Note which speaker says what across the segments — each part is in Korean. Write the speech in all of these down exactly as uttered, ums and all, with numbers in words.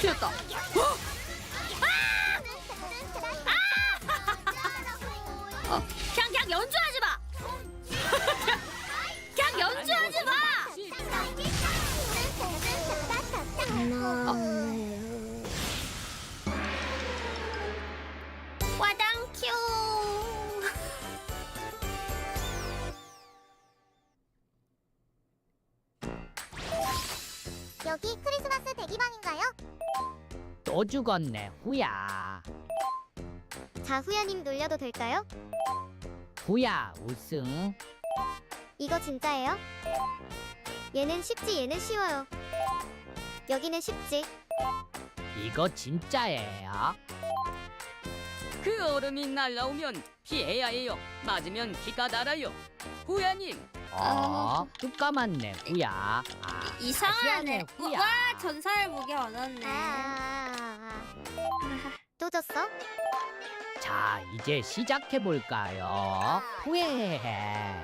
Speaker 1: 튀었다. 어? 어, 그냥 그냥 연주하지 마. 그냥 연주하지 마. 와당큐.
Speaker 2: 여기 크리스마스 대기방인가요?
Speaker 3: 또 죽었네 후야.
Speaker 2: 자, 후야님 놀려도 될까요?
Speaker 3: 후야 우승.
Speaker 2: 이거 진짜예요? 얘는 쉽지, 얘는 쉬워요. 여기는 쉽지.
Speaker 3: 이거 진짜예요.
Speaker 4: 그 얼음이 날라오면 피해야 해요. 맞으면 피가 달아요. 후야님,
Speaker 3: 어, 뚝 까맣네 후야. 아,
Speaker 1: 이상하네.
Speaker 3: 다시 하네, 후야.
Speaker 1: 와, 전설 무게 얻었네.
Speaker 2: 아, 또 졌어?
Speaker 3: 자 이제 시작해 볼까요? 후회해.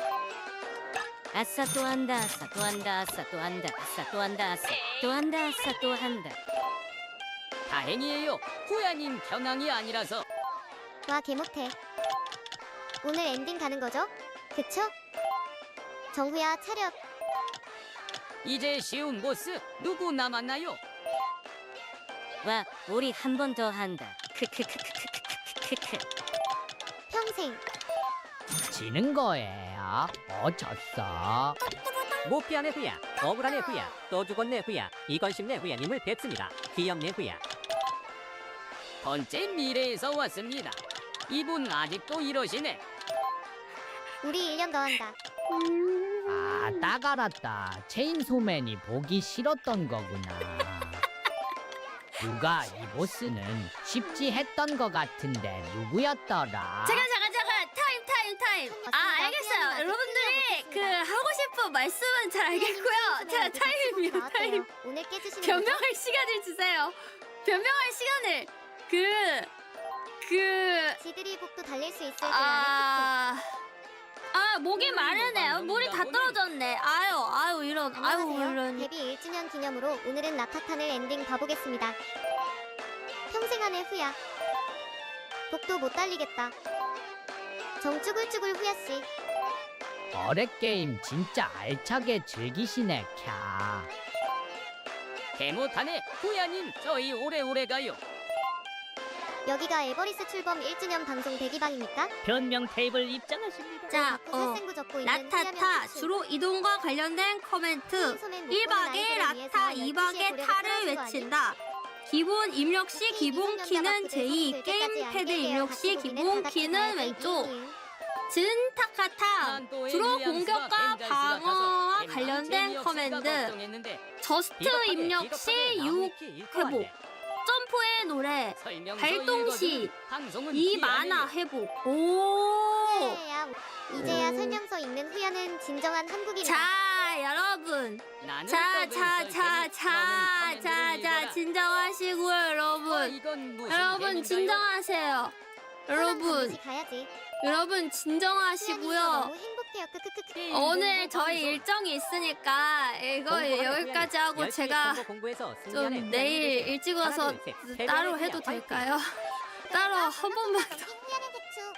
Speaker 5: 아싸 또 한다 아싸 또 한다 아싸 또 한다 아싸 또 한다 아싸 또 한다 아싸 또 한다.
Speaker 4: 다행이에요. 후야님 겨낭이 아니라서.
Speaker 2: 와, 개 못해. 오늘 엔딩 가는 거죠? 그쵸? 정후야, 차렷.
Speaker 4: 이제 쉬운 보스 누구 남았나요?
Speaker 5: 와 우리 한 번 더 한다. 크크크크크크크크크.
Speaker 2: 평생.
Speaker 3: 지는 거예요. 어 졌어.
Speaker 6: 못 피하네 후야. 억울하네 후야. 또 죽었네 후야. 이건 쉽네 후야님을 뵙습니다. 귀엽네 후야.
Speaker 4: 번째 미래에서 왔습니다. 이분 아직도 이러시네.
Speaker 2: 우리 일 년 더 한다.
Speaker 3: 아, 딱 알았다. 체인소맨이 보기 싫었던 거구나. 누가 이 보스는 쉽지 했던 거 같은데 누구였더라?
Speaker 1: 잠깐 잠깐 잠깐 타임 타임 타임. 아 알겠어요. 여러분들이 그 하고 싶은 말씀은 잘 알겠고요. 자 타임이요 타임.
Speaker 2: 오늘 깨주시는 거죠?
Speaker 1: 변명할 시간을 주세요. 변명할 시간을 그 그.
Speaker 2: 지들이 복도 달릴 수 있을지 아...
Speaker 1: 아, 아 목이 마르네. 물이 다 떨어졌네. 아유, 아유 이런, 아유
Speaker 2: 안녕하세요.
Speaker 1: 이런.
Speaker 2: 데뷔 일 주년 기념으로 오늘은 라타탄을 엔딩 봐보겠습니다. 평생 안의 후야. 복도 못 달리겠다. 정쭈글쭈글 후야씨.
Speaker 3: 어레 게임 진짜 알차게 즐기시네 캬.
Speaker 4: 개못하네. 후야님 저희 오래오래 가요.
Speaker 2: 여기가 에버리스 출범 일 주년 방송 대기방입니까?
Speaker 6: 변명 테이블 입장하십니다.
Speaker 1: 자,
Speaker 2: 자꾸
Speaker 1: 어.
Speaker 2: 살생구 적고 있는
Speaker 1: 라타타
Speaker 2: 후야면
Speaker 1: 주로 이동과 관련된 커멘트.
Speaker 2: 소맨
Speaker 1: 일 박에
Speaker 2: 아이들을
Speaker 1: 라타,
Speaker 2: 위해서
Speaker 1: 이
Speaker 2: 열두 시에
Speaker 1: 박에
Speaker 2: 고려를
Speaker 1: 타를
Speaker 2: 풀어준 거
Speaker 1: 외친다. 기본 입력 시 기본 키는 제이, 게임 패드 입력 시 기본 키는 왼쪽. 진타카타
Speaker 4: 난 또
Speaker 1: 주로
Speaker 4: 윌리엄스가
Speaker 1: 공격과
Speaker 4: 벤자이스
Speaker 1: 방어와
Speaker 4: 같아서
Speaker 1: 관련된
Speaker 4: 재미없을까
Speaker 1: 커맨드.
Speaker 4: 걱정했는데
Speaker 1: 저스트
Speaker 6: 비겁하네,
Speaker 1: 입력
Speaker 6: 비겁하네.
Speaker 1: 시
Speaker 6: 나무
Speaker 1: 육
Speaker 6: 위키 읽고
Speaker 1: 회복.
Speaker 6: 왔네.
Speaker 1: 점프의 노래.
Speaker 4: 설명서
Speaker 1: 발동 시
Speaker 4: 읽어주는 방송은
Speaker 1: 이
Speaker 4: 피하네요.
Speaker 1: 만화 회복. 오.
Speaker 2: 이제야, 이제야
Speaker 1: 오.
Speaker 2: 설명서 읽는 후야는 진정한 한국인이다.
Speaker 1: 자, 여러분.
Speaker 4: 나는
Speaker 1: 자,
Speaker 4: 떡을
Speaker 1: 자,
Speaker 4: 썰
Speaker 1: 자,
Speaker 4: 테니
Speaker 1: 자,
Speaker 4: 너는
Speaker 1: 자,
Speaker 4: 커맨드를
Speaker 1: 자,
Speaker 4: 읽어라.
Speaker 1: 진정하시고요,
Speaker 4: 어,
Speaker 1: 여러분.
Speaker 4: 이건 무슨
Speaker 1: 여러분,
Speaker 4: 재미인가요?
Speaker 1: 진정하세요. 여러분,
Speaker 2: 반드시 가야지.
Speaker 1: 여러분,
Speaker 2: 후야님도
Speaker 1: 진정하시고요.
Speaker 2: 너무 행복해요. 크크크크.
Speaker 4: 게임
Speaker 1: 오늘
Speaker 4: 공부
Speaker 1: 저희
Speaker 4: 방송.
Speaker 1: 일정이 있으니까 이거
Speaker 6: 공부하네,
Speaker 1: 여기까지
Speaker 6: 후야님.
Speaker 1: 하고
Speaker 6: 열심히
Speaker 1: 제가
Speaker 6: 공부 공부해서 승리하네,
Speaker 1: 좀
Speaker 6: 후야님
Speaker 1: 내일
Speaker 6: 되세요.
Speaker 1: 일찍
Speaker 6: 하나,
Speaker 1: 와서
Speaker 6: 둘, 셋. 세배의
Speaker 1: 따로
Speaker 6: 후야,
Speaker 1: 해도
Speaker 6: 화이팅!
Speaker 1: 될까요? 따로 한 번만 더,
Speaker 2: 엔딩 후야는 대충.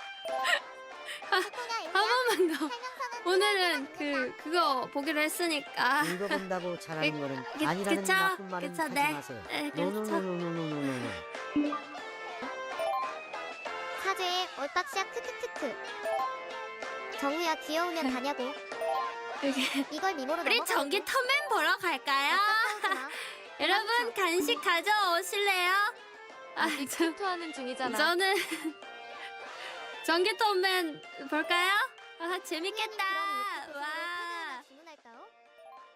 Speaker 1: 한 번만 더. 오늘은 그 그거 보기로 했으니까.
Speaker 7: 읽어본다고 잘하는 거는
Speaker 1: 그-
Speaker 7: 아니라는
Speaker 1: 그쵸?
Speaker 7: 나쁜 말은
Speaker 1: 그쵸,
Speaker 7: 하지
Speaker 1: 네.
Speaker 7: 마세요.
Speaker 1: 네, 그쵸.
Speaker 7: 노노노노노노노노.
Speaker 2: 사죄의 얼빡샷 크크크크. 정우야 귀여우면 가냐고.
Speaker 1: 이게
Speaker 2: 이걸 미모로
Speaker 1: 우리
Speaker 2: 넘어가고.
Speaker 1: 전기톱맨 보러 갈까요?
Speaker 2: 싸우지
Speaker 1: 여러분 간식 가져오실래요? 아, 저,
Speaker 8: 투하는 중이잖아.
Speaker 1: 저는 전기톱맨 볼까요? 아, 재밌겠다.